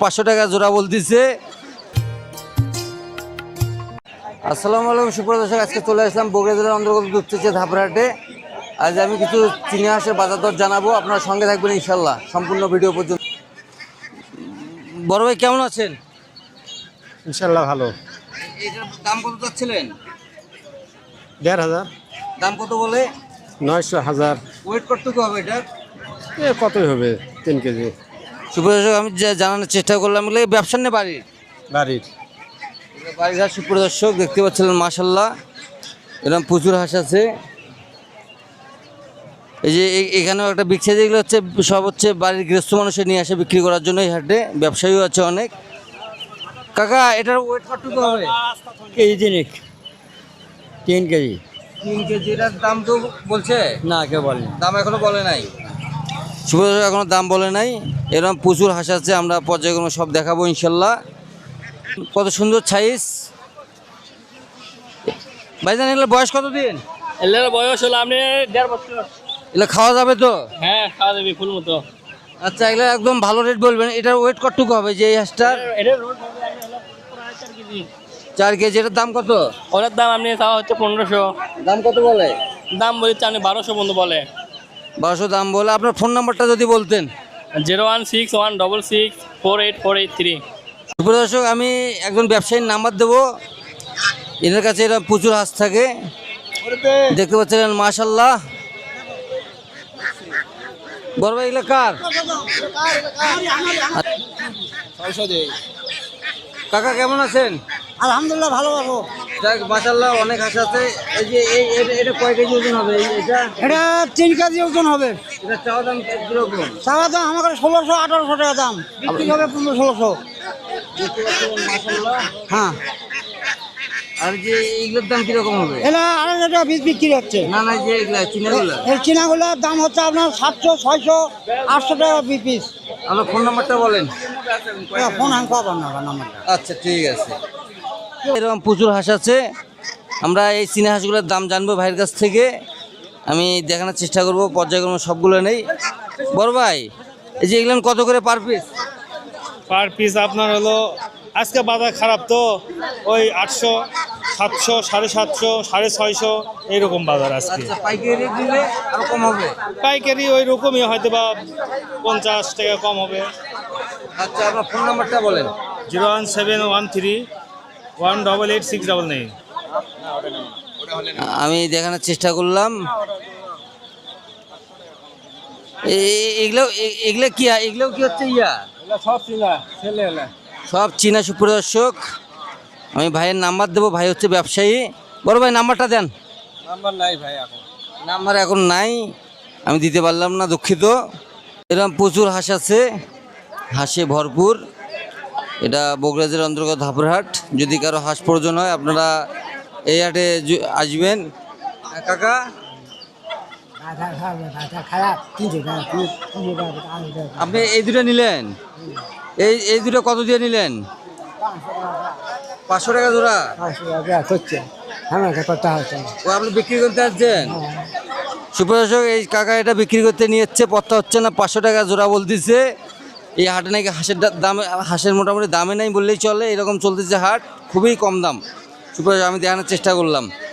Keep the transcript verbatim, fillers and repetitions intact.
পাঁচশো টাকা জোড়া বলতেছে। আসসালামু আলাইকুম সুপ্রিয় দর্শক, আজকে চলে আসলাম বগুড়া জেলার অন্তর্গত দুপচাঁচিয়া ধাপড়াহাটে। আজ আমি কিছু চিনি হাঁসের বাজার দর জানাবো, আপনারা সঙ্গে থাকবেন ইনশাল্লাহ সম্পূর্ণ ভিডিও পর্যন্ত। বড় ভাই কেমন আছেন? ইনশাল্লাহ ভালো। এটার দাম কত চাচ্ছিলেন? দেড় হাজার। দাম কত বলে? নয়শো হাজার। ওয়েট কতটুকু হবে এটা? এ কতই হবে, তিন কেজি। সুপ্রিয় দর্শক, আমি যা জানানোর চেষ্টা করলাম এগুলো ব্যবসা নিয়ে বাড়ির বাড়ির বাড়ির হাঁস। সুপ্রিয় দর্শক দেখতে পাচ্ছিলেন মাশাল্লাহ এরকম প্রচুর হাঁস আছে। এই যে এখানেও একটা বিক্রি, যেগুলো হচ্ছে সব হচ্ছে বাড়ির গৃহস্থ মানুষের নিয়ে আসে বিক্রি করার জন্য এই হাটে। ব্যবসায়ীও আছে অনেক। কাকা এটার ওয়েট কতটুকু হবে? কেজি তিনিক, তিন কেজি। তিন কেজি। এটার দাম তো বলছে না, কেউ বলেনি। দাম এখনো বলে নাই। সুপ্রিয় দর্শক, এখনো দাম বলে নাই। এরকম প্রচুর হাঁস আছে, আমরা পর্যায়ক্রমে সব দেখাবো ইনশাল্লাহ। কত সুন্দর সাইজ। ভাইজান এগুলো বয়স কত দিন? এলের বয়স হলো আপনি দেড় বছর। এগুলো খাওয়া যাবে তো? হ্যাঁ, খাওয়া যাবে ফুল মতো। আচ্ছা, এগুলো একদম ভালো রেট বলবেন। এটার ওয়েট কতটুকু হবে যে এই হাঁসটার? এটা রোড হবে হলো প্রায় চার কেজি। চার কেজি। এটার দাম কত? ওটার দাম আপনি চাওয়া হচ্ছে পনেরোশো। দাম কত বলে? দাম বলছে আপনি বারোশো বন্ধু বলে। বারোশো দাম বলে। আপনার ফোন নাম্বারটা যদি বলতেন। Zero one six one double six four eight four eight three. সুপ্রিয় দর্শক, আমি একজন ব্যবসায়ীর নাম্বার দেবো। এদের কাছে এরা প্রচুর হাঁস থাকে, দেখতে পাচ্ছেন মাশাল্লাহ। বড় ভাই এগুলো কার? কাকা কেমন আছেন? আলহামদুলিল্লাহ ভালো ভালো। যাক মাশাল্লাহ, অনেক হাঁস আছে। এই যে এই এটা- এটা কয় কেজি ওজন হবে এই- এটা? এটা তিন কেজি ওজন হবে। এটা চাওয়া দাম কিরকম? চাওয়া দাম আমার কাছে ষোলোশো আঠারোশো টাকা দাম, বিক্রি হবে পনেরো ষোলোশো। দেখতে পাচ্ছেন মাশাল্লাহ। হ্যাঁ, আর যে এইগুলোর দাম কিরকম হবে? এটা আড়াইশো টাকা পিস বিক্রি হচ্ছে। না না, যে এগুলা চিনাগুলা। এই চিনাগুলোর দাম হচ্ছে আপনার সাতশো ছয়শো আটশো টাকা পিস। আমার ফোন নাম্বারটা বলেন। ফোন আমি পাবেন না নাম্বারটা। আচ্ছা ঠিক আছে। এরকম প্রচুর হাঁস আছে, আমরা এই চীনা হাঁসগুলোর দাম জানবো ভাইয়ের কাছ থেকে। আমি দেখানোর চেষ্টা করবো, পর্যায়ক্রমে সবগুলো নেই। বড় ভাই এই যে এগুলো কত করে পার পিস? পার পিস আপনার হলো আজকে বাজার খারাপ তো ওই আটশো সাতশো সাড়ে সাতশো সাড়ে ছয়শো এইরকম বাজার আজকে। আচ্ছা, পাইকারি দিলে আরো কম হবে? পাইকারি ওই রকমই হয়তো বা পঞ্চাশ টাকা কম হবে। আচ্ছা, আপনার ফোন নাম্বারটা বলেন। Zero one seven one three one double eight six double nine. আমি দেখানোর চেষ্টা করলাম। এ- এগুলো এ- এগুলো কি এগুলো কি হচ্ছে ইয়া সব চিনা ছেলে হলে সব চীনা। সুপ্রদর্শক, আমি ভাইয়ের নাম্বার দেবো, ভাই হচ্ছে ব্যবসায়ী। বড় ভাই নাম্বারটা দেন। নাম্বার নাই ভাই এখন। নাম্বার এখন নাই, আমি দিতে পারলাম না, দুঃখিত। এরকম প্রচুর হাঁস আছে, হাঁসে ভরপুর। এটা বগুড়া জেলার অন্তর্গত ধাপড়হাট। যদি কারো হাঁস প্রয়োজন হয় আপনারা এই হাটে জ- আসবেন। হ্যাঁ, কাকা খারাপ আপনি এই দুটো নিলেন? এই এই দুটো কত দিয়ে নিলেন? পাঁচশো টাকা জোড়া। করছে হ্যাঁ করতে হচ্ছে। ও আপনি বিক্রি করতে আসছেন? সুপ্রদর্শক, এই কাকা এটা বিক্রি করতে নিয়ে যাচ্ছে, পত্তা হচ্ছে না, পাঁচশো টাকা জোড়া বলতেছে। এই হাটে নাকি হাঁসের দা- দাম, হাঁসের মোটামুটি দামে নাই বললেই চলে, এরকম চলতেছে হাট, খুবই কম দাম। সুপ্রদর্শক, আমি দেখানোর চেষ্টা করলাম।